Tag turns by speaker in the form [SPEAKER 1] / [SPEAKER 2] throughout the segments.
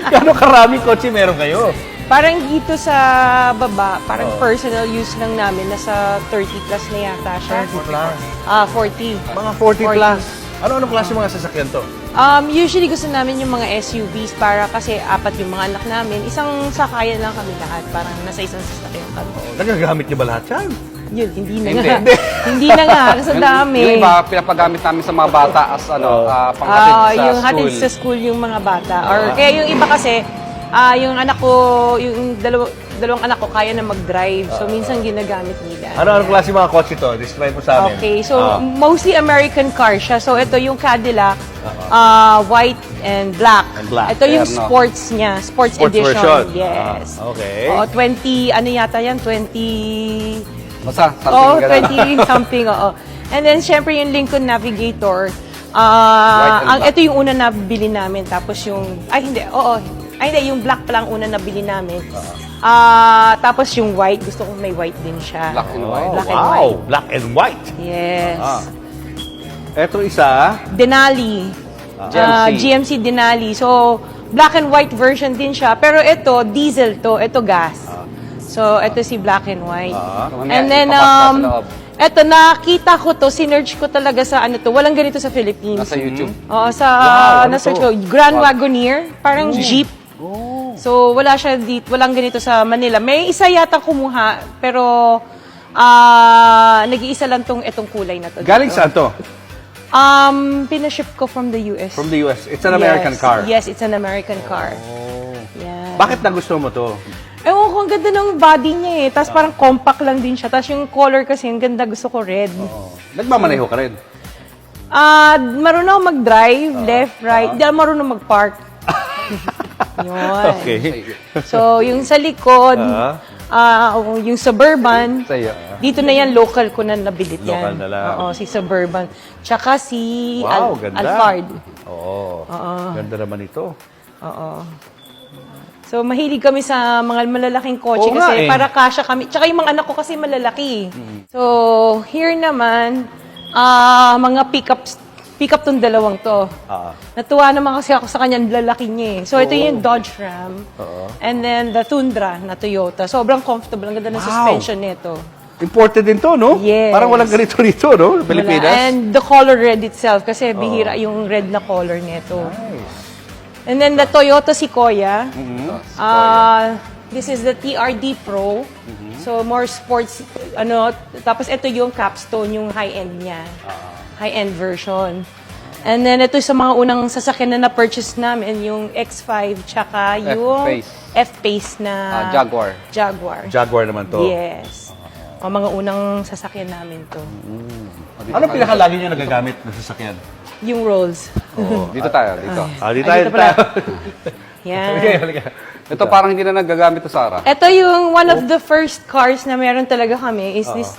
[SPEAKER 1] Gano'ng karaming kotse meron kayo?
[SPEAKER 2] Parang dito sa baba, parang personal use lang namin, nasa 30 plus na yata siya.
[SPEAKER 1] 30 plus?
[SPEAKER 2] 40.
[SPEAKER 1] Mga 40 plus. Ano-anong klase mga sasakyan to?
[SPEAKER 2] Usually gusto namin yung mga SUVs para kasi apat yung mga anak namin. Isang sakayan lang kami lahat, parang nasa isang sasakyan kami.
[SPEAKER 1] Nagagamit niyo ba lahat yan?
[SPEAKER 2] Yun, hindi na
[SPEAKER 3] Hindi.
[SPEAKER 2] nga. Hindi na nga, kasi ang dami.
[SPEAKER 3] Yung iba, pinapagamit namin sa mga bata as panghatid sa
[SPEAKER 2] Yung
[SPEAKER 3] school.
[SPEAKER 2] hatid sa school yung mga bata. Or kaya yung iba kasi, yung anak ko, yung dalawang anak ko kaya na mag-drive. So minsan ginagamit nila.
[SPEAKER 1] Ano-anong klase mga kotse to? Describe mo sa amin.
[SPEAKER 2] Okay, so mostly American car siya. So ito yung Cadillac, white and black.
[SPEAKER 1] And black.
[SPEAKER 2] Ito yung
[SPEAKER 3] Terno.
[SPEAKER 2] sports niya, sports edition.
[SPEAKER 1] version.
[SPEAKER 2] Yes.
[SPEAKER 1] Okay.
[SPEAKER 2] Oo, 20, ano yata yan? 20...
[SPEAKER 3] Basta,
[SPEAKER 2] Oo,
[SPEAKER 3] something
[SPEAKER 2] 20 something, oo. And then, syempre, yung Lincoln Navigator,
[SPEAKER 3] and black.
[SPEAKER 2] ito yung una na bili namin. Tapos yung, yung black pa lang una na bili namin. Tapos yung white, gusto kong may white din siya.
[SPEAKER 3] Black and white.
[SPEAKER 2] Black and
[SPEAKER 1] wow,
[SPEAKER 2] white.
[SPEAKER 1] black and white.
[SPEAKER 2] Yes.
[SPEAKER 1] Eto isa,
[SPEAKER 2] Denali.
[SPEAKER 3] GMC.
[SPEAKER 2] GMC Denali. So, black and white version din siya. Pero ito, diesel to. Ito, gas. So, ito si black and white.
[SPEAKER 3] So,
[SPEAKER 2] And then,
[SPEAKER 3] ipapasok sa loob.
[SPEAKER 2] ito, nakita ko to, sinerge ko talaga sa ano to. Walang ganito sa Philippines.
[SPEAKER 3] Nasa YouTube.
[SPEAKER 2] Oo, sa,
[SPEAKER 1] ano
[SPEAKER 2] na-search
[SPEAKER 1] to?
[SPEAKER 2] ko, Grand Wagoneer, parang jeep. So, wala siya dito, walang ganito sa Manila. May isa yata kumuha, pero nag-iisa lang itong kulay na to.
[SPEAKER 1] galing saan to?
[SPEAKER 2] Pinaship ko from the US.
[SPEAKER 1] From the US. It's an American car.
[SPEAKER 2] Yes, it's an American car. Yeah.
[SPEAKER 1] Bakit nagustuhan mo to?
[SPEAKER 2] Ewan ko, ang ganda ng body niya eh. Tapos parang compact lang din siya. Tapos yung color kasi, ang ganda. Gusto ko red.
[SPEAKER 1] Nagmamaneho ka rin.
[SPEAKER 2] Marunong ako mag-drive, left, right. Hindi ako marunong mag-park. Yun.
[SPEAKER 1] Okay.
[SPEAKER 2] So, yung sa likod, yung Suburban,
[SPEAKER 3] Sa'yo.
[SPEAKER 2] dito na yan, local ko na nabilit yan.
[SPEAKER 1] Local na lang.
[SPEAKER 2] Oo, si Suburban. Tsaka si
[SPEAKER 1] Wow, ganda.
[SPEAKER 2] Alphard.
[SPEAKER 1] Oo. Ganda naman ito.
[SPEAKER 2] Oo. So, mahilig kami sa mga malalaking kotse
[SPEAKER 1] Oo nga
[SPEAKER 2] kasi
[SPEAKER 1] eh.
[SPEAKER 2] para kasya kami. Tsaka yung mga anak ko kasi malalaki. So, here naman, mga pick-up tong dalawang to. Natuwa naman kasi ako sa kanyang lalaki niya eh. So, ito yung Dodge Ram. And then, the Tundra na Toyota. Sobrang comfortable. Ang ganda ng
[SPEAKER 1] Wow.
[SPEAKER 2] suspension nito.
[SPEAKER 1] Imported din to, no?
[SPEAKER 2] Yes.
[SPEAKER 1] Parang walang ganito rito, no?
[SPEAKER 2] Wala.
[SPEAKER 1] Pilipinas.
[SPEAKER 2] And the color red itself kasi bihira yung red na color nito. And then the Toyota Sequoia. This is the TRD Pro. So more sports tapos ito yung Capstone, yung high-end niya. High-end version. And then ito sa mga unang sasakyan na na-purchase namin, yung X5 tsaka yung
[SPEAKER 3] F-Pace.
[SPEAKER 2] F-Pace na
[SPEAKER 3] Jaguar.
[SPEAKER 2] Jaguar.
[SPEAKER 1] Jaguar naman to.
[SPEAKER 2] Yes. O mga unang sasakyan namin to.
[SPEAKER 1] Anong pinakalagi nyo nagagamit na sasakyan?
[SPEAKER 2] Yung Rolls.
[SPEAKER 3] Dito tayo, dito.
[SPEAKER 1] Di
[SPEAKER 2] Ay, dito pala. Yan.
[SPEAKER 1] Halika, halika.
[SPEAKER 3] Ito parang hindi na nagagamit to, Sarah.
[SPEAKER 2] Ito yung one of the first cars na meron talaga kami is this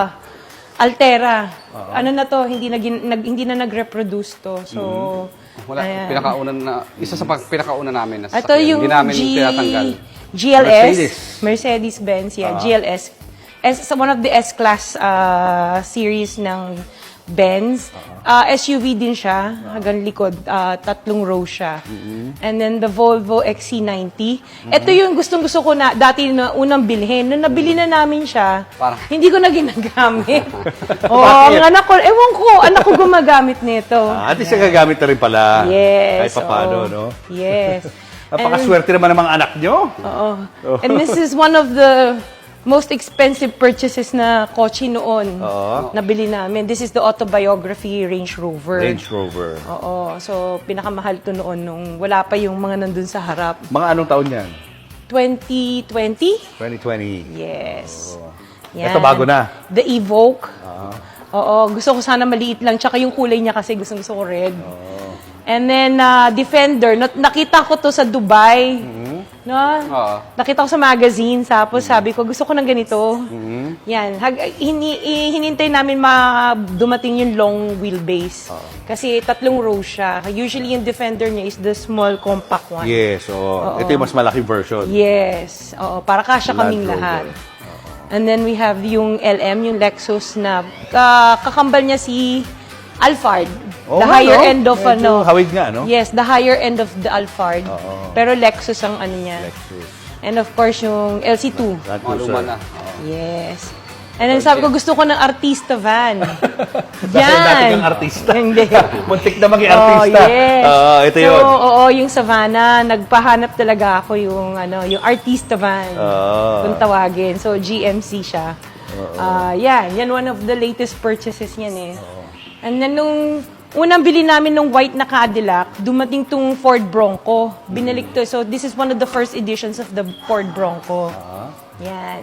[SPEAKER 2] Altera. Ano na to, hindi na nag-reproduce to. So,
[SPEAKER 3] Wala,
[SPEAKER 2] ayan.
[SPEAKER 3] pinakauna na, isa sa pinakauna namin na
[SPEAKER 2] Ito
[SPEAKER 3] sasakyan.
[SPEAKER 2] yung
[SPEAKER 3] Hindi namin tinatanggal.
[SPEAKER 2] GLS. Mercedes-Benz, yeah. GLS. One of the S-Class series ng Benz. SUV din siya, hanggang likod. 3 row siya. And then the Volvo XC90. Ito yung gustong-gusto ko na dati na unang bilhin. Nung nabili na namin siya,
[SPEAKER 3] Parang-
[SPEAKER 2] hindi ko na ginagamit. Ang anak ko, ewan ko, anak ko gumagamit nito.
[SPEAKER 1] At least gagamit na rin pala.
[SPEAKER 2] Yes.
[SPEAKER 1] Kahit paano,
[SPEAKER 2] oo.
[SPEAKER 1] no?
[SPEAKER 2] Yes.
[SPEAKER 1] Napakaswerte naman ng mga anak nyo.
[SPEAKER 2] Oo. And this is one of the most expensive purchases na kotse noon. Nabili namin. This is the autobiography Range Rover.
[SPEAKER 1] Range Rover.
[SPEAKER 2] Oo. So, pinakamahal to noon nung wala pa yung mga nandun sa harap.
[SPEAKER 1] Mga anong taon yan?
[SPEAKER 2] 2020?
[SPEAKER 1] 2020.
[SPEAKER 2] Yes.
[SPEAKER 1] Ito bago na.
[SPEAKER 2] The Evoque. Oo. Gusto ko sana maliit lang. Tsaka yung kulay niya kasi gusto ko red. And then, Defender. Nakita ko to sa Dubai. No? Nakita ko sa magazine. Tapos sabi ko, gusto ko ng ganito. Yan. Hinintay namin dumating yung long wheelbase. Kasi 3 row siya. Usually yung Defender niya is the small compact one.
[SPEAKER 1] Yes, oo. Ito yung mas malaking version.
[SPEAKER 2] Yes. Oo, para kasya
[SPEAKER 1] Land
[SPEAKER 2] kaming
[SPEAKER 1] Rover.
[SPEAKER 2] lahat. And then we have yung LM, yung Lexus na kakambal niya si Alphard.
[SPEAKER 1] Oo
[SPEAKER 2] the
[SPEAKER 1] nga,
[SPEAKER 2] higher
[SPEAKER 1] no?
[SPEAKER 2] end of
[SPEAKER 1] Medyo hawig nga, no?
[SPEAKER 2] Yes, the higher end of the Alphard.
[SPEAKER 1] Oo.
[SPEAKER 2] Pero Lexus ang ano niya.
[SPEAKER 1] Lexus.
[SPEAKER 2] And of course, yung LC2.
[SPEAKER 1] Land
[SPEAKER 3] Mga luma
[SPEAKER 1] Cruiser.
[SPEAKER 3] na.
[SPEAKER 2] Yes. And then sabi ko, gusto ko ng artista van.
[SPEAKER 1] Dahil dati kang artista.
[SPEAKER 2] Hindi.
[SPEAKER 1] Muntik na maging artista.
[SPEAKER 2] Oh, yes.
[SPEAKER 1] Ito
[SPEAKER 2] so,
[SPEAKER 1] yun.
[SPEAKER 2] oo, yung Savannah, nagpahanap talaga ako yung, yung artista van. Kung tawagin. So, GMC siya. Yan one of the latest purchases niyan eh. And then, nung unang bili namin nung white na Cadillac, dumating tong Ford Bronco. Binalik to. So, this is one of the first editions of the Ford Bronco. Yan.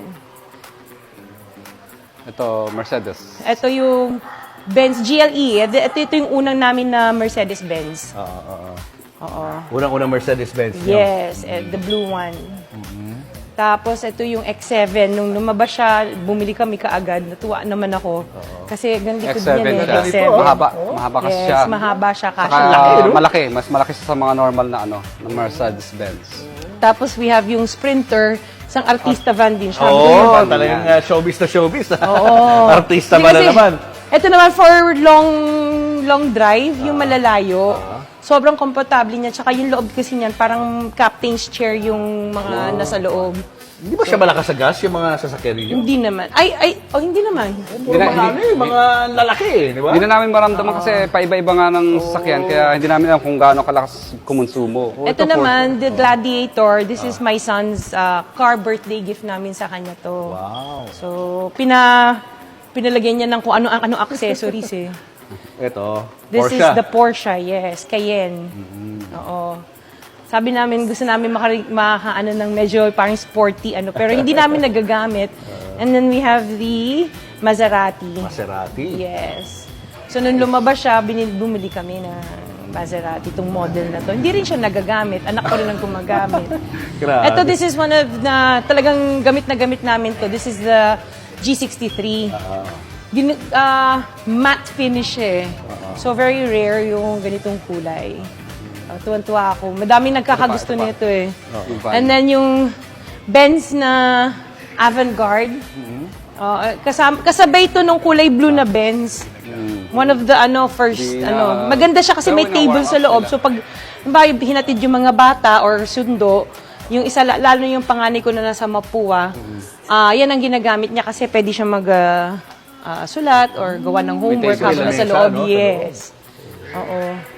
[SPEAKER 3] Ito, Mercedes.
[SPEAKER 2] Ito yung Benz GLE. Ito yung unang namin na Mercedes-Benz. Oo.
[SPEAKER 1] Unang-unang Mercedes-Benz.
[SPEAKER 2] Yes, the blue one. Tapos ito yung X7. Nung lumabas siya, bumili kami kaagad. Natuwa naman ako. Kasi ganito
[SPEAKER 3] X7
[SPEAKER 2] din yan
[SPEAKER 3] siya.
[SPEAKER 2] eh. X7.
[SPEAKER 3] Mahaba kasi
[SPEAKER 2] Yes,
[SPEAKER 3] siya.
[SPEAKER 2] mahaba siya.
[SPEAKER 3] Saka
[SPEAKER 2] Kasha laki.
[SPEAKER 3] malaki. Mas malaki siya sa mga normal na na Mercedes-Benz.
[SPEAKER 2] Tapos we have yung Sprinter. Isang artista van din siya.
[SPEAKER 1] Oo, talagang showbiz na showbiz.
[SPEAKER 2] Oo.
[SPEAKER 1] Artista
[SPEAKER 2] Hindi
[SPEAKER 1] ba na
[SPEAKER 2] kasi,
[SPEAKER 1] naman?
[SPEAKER 2] Ito naman for long drive, yung malalayo. Sobrang komportable niya. Tsaka yung loob kasi niyan, parang captain's chair yung mga nasa loob.
[SPEAKER 1] Hindi ba siya malakas sa gas, yung mga sasakyan ninyo?
[SPEAKER 2] Hindi naman. Hindi naman.
[SPEAKER 1] Mga lalaki, di ba?
[SPEAKER 3] Hindi na namin maramdaman kasi paiba-iba nga ng sasakyan. Kaya hindi namin alam kung gaano kalakas kumonsumo.
[SPEAKER 2] Ito naman, the Gladiator. This is my son's car birthday gift namin sa kanya to.
[SPEAKER 1] Wow.
[SPEAKER 2] So, pinalagyan niya ng kung ano accessories eh.
[SPEAKER 1] Ito,
[SPEAKER 2] This
[SPEAKER 1] Porsche.
[SPEAKER 2] is the Porsche, yes, Cayenne. Oo. Sabi namin, gusto namin makaano ng medyo parang sporty, pero hindi namin nagagamit. And then we have the Maserati.
[SPEAKER 1] Maserati.
[SPEAKER 2] Yes. So, nung lumabas siya, bumili kami ng Maserati, itong model na to. Hindi rin siya nagagamit. Anak ko rin ang gumagamit.
[SPEAKER 1] Grabe.
[SPEAKER 2] Ito, this is one of talagang gamit na gamit namin to. This is the G63. Matte finish eh. So, very rare yung ganitong kulay. Tuwan-tuwa ako. Madaming nagkakagusto nito eh. And then yung Benz na Avantgarde. Kasabay ito nung kulay blue na Benz. One of the first maganda siya kasi may table sa loob. So pag hinatid yung mga bata or sundo, yung isa lalo yung panganay ko na nasa Mapua, yan ang ginagamit niya kasi pwede siya sulat or gawa ng homework habang nasa loob. Yes. Oo.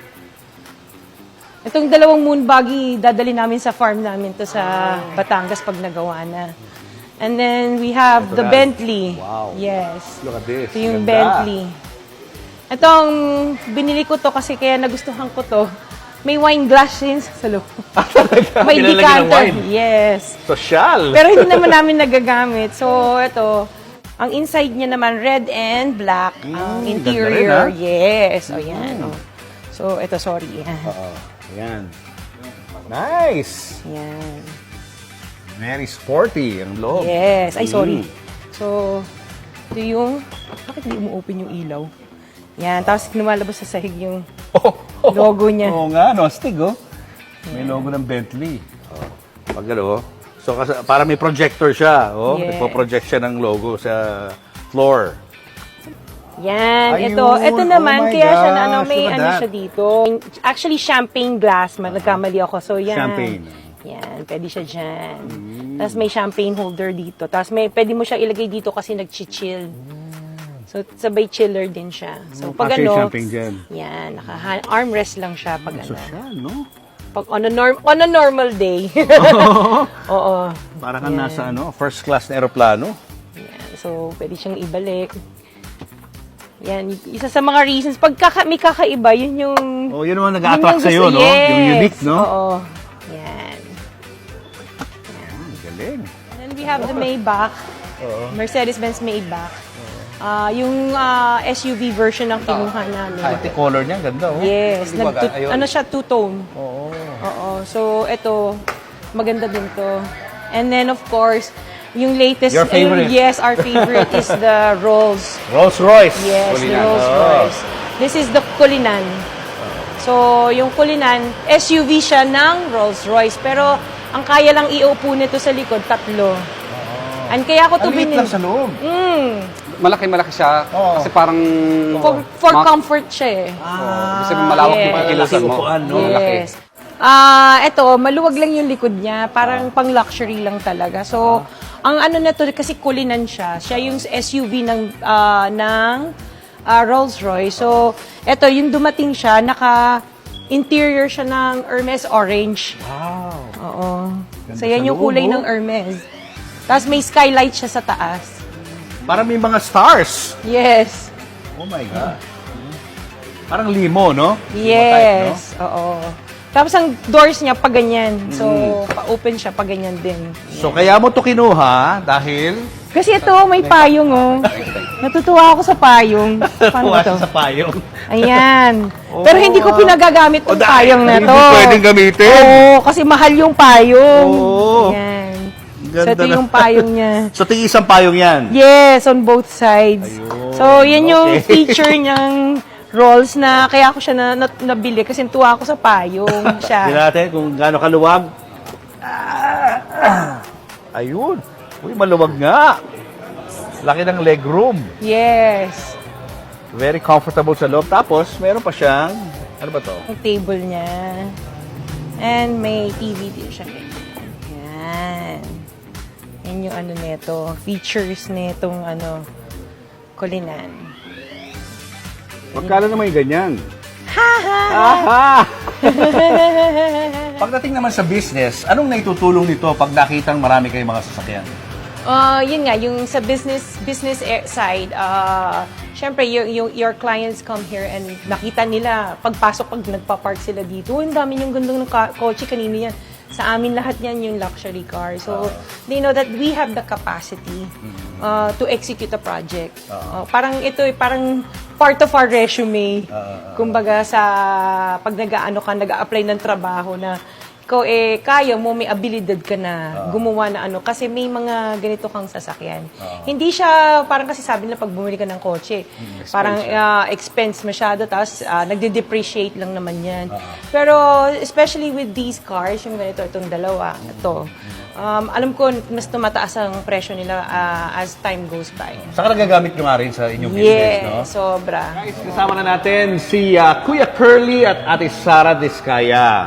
[SPEAKER 2] Itong dalawang moon buggy, dadali namin sa farm namin to sa Batangas pag nagawa na. And then we have the Bentley.
[SPEAKER 1] Wow.
[SPEAKER 2] Yes.
[SPEAKER 1] Look at this.
[SPEAKER 2] Ito yung
[SPEAKER 1] Ganda.
[SPEAKER 2] Bentley. Itong binili ko to kasi kaya nagustuhan ko to. May wine glass din sa loob. May
[SPEAKER 1] Pinalagyan ng
[SPEAKER 2] decanter.
[SPEAKER 1] wine.
[SPEAKER 2] Yes.
[SPEAKER 1] Social.
[SPEAKER 2] Pero hindi naman namin nagagamit. So, ito. Ang inside niya naman, red and black. Ang interior,
[SPEAKER 1] ganda rin,
[SPEAKER 2] yes. O, yan. O. So, ito, sorry. Yan.
[SPEAKER 1] Ayan. Nice.
[SPEAKER 2] Yan.
[SPEAKER 1] Very sporty ang loob.
[SPEAKER 2] Yes. Ay, sorry. So, ito yung... Bakit hindi umu-open yung ilaw? Yan. Tapos, lumalabas sa sahig yung logo niya.
[SPEAKER 1] Oo nga, no? Astig, oh. May logo ng Bentley. Pag ano, so para may projector siya. Oh.
[SPEAKER 2] Yes.
[SPEAKER 1] Nagpo-project siya ng logo sa floor.
[SPEAKER 2] Yan,
[SPEAKER 1] Ayun.
[SPEAKER 2] ito naman,
[SPEAKER 1] Oh my
[SPEAKER 2] kaya siya
[SPEAKER 1] gosh,
[SPEAKER 2] may
[SPEAKER 1] look at
[SPEAKER 2] ano
[SPEAKER 1] that.
[SPEAKER 2] siya dito. Actually, champagne glass, nagkamali ako. So, yan.
[SPEAKER 1] Champagne.
[SPEAKER 2] Yan, pwede siya dyan. Tapos may champagne holder dito. Tapos pwede mo siya ilagay dito kasi nag-chill. So, sabay chiller din siya. So, pag
[SPEAKER 1] Kasi
[SPEAKER 2] ano,
[SPEAKER 1] champagne dyan.
[SPEAKER 2] yan, armrest lang siya pag ano.
[SPEAKER 1] Social, no?
[SPEAKER 2] Pag on a normal day. Oo.
[SPEAKER 1] Para kang nasa first class na aeroplano.
[SPEAKER 2] Yan. So, pwede siyang ibalik. Yan, isa sa mga reasons. Pag may kakaiba, yun yung...
[SPEAKER 1] Oh, yun naman
[SPEAKER 2] yun
[SPEAKER 1] nag-a-attract
[SPEAKER 2] yung
[SPEAKER 1] sa'yo,
[SPEAKER 2] gusto-
[SPEAKER 1] no? Yung unique, no?
[SPEAKER 2] Oo. Yan.
[SPEAKER 1] Galing.
[SPEAKER 2] And then we have the Maybach. Mercedes-Benz Maybach. Yung SUV version ng kinuha namin.
[SPEAKER 1] Pati color niya, ganda, oh.
[SPEAKER 2] Yes.
[SPEAKER 3] Ayun.
[SPEAKER 2] Ano siya, two-tone.
[SPEAKER 1] Oo.
[SPEAKER 2] Oo. So, ito, maganda din to. And then, of course, yung latest...
[SPEAKER 1] Your favorite.
[SPEAKER 2] Yes, our favorite is the Rolls.
[SPEAKER 1] Rolls Royce.
[SPEAKER 2] Yes, the
[SPEAKER 3] Cullinan.
[SPEAKER 2] Rolls Royce. This is the Cullinan. So, yung Cullinan, SUV siya ng Rolls Royce. Pero, ang kaya lang iupo nito sa likod, 3. And kaya ako to
[SPEAKER 1] Ang liit
[SPEAKER 2] binili.
[SPEAKER 1] lang sa loob.
[SPEAKER 3] malaki siya.
[SPEAKER 1] Oo.
[SPEAKER 3] Kasi parang...
[SPEAKER 2] For comfort siya eh.
[SPEAKER 3] Kasi malawak yung
[SPEAKER 2] Yes.
[SPEAKER 3] pagkilusan mo.
[SPEAKER 1] Upuan, no?
[SPEAKER 3] Malaki.
[SPEAKER 2] Yes. Ito, maluwag lang yung likod niya. Parang pang luxury lang talaga. So, ang ano na to, kasi kulinan siya. Siya yung SUV ng Rolls-Royce. So, ito, yung dumating siya, interior siya ng Hermes Orange.
[SPEAKER 1] Wow.
[SPEAKER 2] Oo.
[SPEAKER 1] Ganda
[SPEAKER 2] So, yan
[SPEAKER 1] sa
[SPEAKER 2] yung
[SPEAKER 1] loob,
[SPEAKER 2] kulay
[SPEAKER 1] oh.
[SPEAKER 2] ng Hermes. Tapos may skylight siya sa taas.
[SPEAKER 1] Parang may mga stars.
[SPEAKER 2] Yes.
[SPEAKER 1] Oh my God. Parang limo, no?
[SPEAKER 2] Yes. Oo. Tapos ang doors niya pa ganyan. So, pa-open siya pa ganyan din.
[SPEAKER 1] So, kaya mo to kinuha dahil
[SPEAKER 2] Kasi ito, may payong, oh. Natutuwa ako sa payong. Paano
[SPEAKER 1] kuha
[SPEAKER 2] ba to?
[SPEAKER 1] siya sa payong.
[SPEAKER 2] Ayan. Pero hindi ko pinagagamit yung payong na to.
[SPEAKER 1] Hindi pwedeng gamitin.
[SPEAKER 2] Oo, kasi mahal yung payong.
[SPEAKER 1] Oo.
[SPEAKER 2] Ayan.
[SPEAKER 1] Ganda
[SPEAKER 2] So, ito
[SPEAKER 1] na.
[SPEAKER 2] yung payong niya.
[SPEAKER 1] So, tingin isang payong yan.
[SPEAKER 2] Yes, on both sides.
[SPEAKER 1] Ayun.
[SPEAKER 2] So, yan yung
[SPEAKER 1] Okay.
[SPEAKER 2] feature niyang rolls na kaya ako siya nabili kasi tuwa ako sa payong siya.
[SPEAKER 1] Tingnan natin kung gaano kaluwag. Ayun. Uy, maluwag nga. Laki ng legroom.
[SPEAKER 2] Yes.
[SPEAKER 1] Very comfortable sa loob. Tapos, meron pa siyang, ano ba to?
[SPEAKER 2] Yung table niya. And may TV din siya. Yan. Yan yung ano nito. Features nitong kulinan.
[SPEAKER 1] Magkano naman yung ganyan?
[SPEAKER 2] Haha!
[SPEAKER 1] Aha! Pagdating naman sa business, anong naitutulong nito pag nakitang marami kayong mga sasakyan?
[SPEAKER 2] Yun nga, yung sa business side, syempre, your clients come here and nakita nila, pagpasok, pag nagpa-park sila dito, ang dami yung gandong ng kotse, kanino yan. Sa amin lahat yan yung luxury car. So, they know that we have the capacity to execute a project. Parang ito, parang part of our resume. Kumbaga pag nag-a-apply ng trabaho na ikaw kaya mo, may abilidad ka na gumawa na kasi may mga ganito kang sasakyan. Hindi siya, parang kasi sabi nila pag bumili ka ng kotse, parang expense masyado, tapos nagde-depreciate lang naman yan. Pero especially with these cars, yung ganito, itong dalawa, ito, alam ko mas tumataas ang presyo nila as time goes by.
[SPEAKER 1] Saka nagagamit nyo nga rin sa inyong business, no?
[SPEAKER 2] Yes, sobra.
[SPEAKER 1] Guys, kasama na natin si Kuya Curly at Ate Sara Diskaya.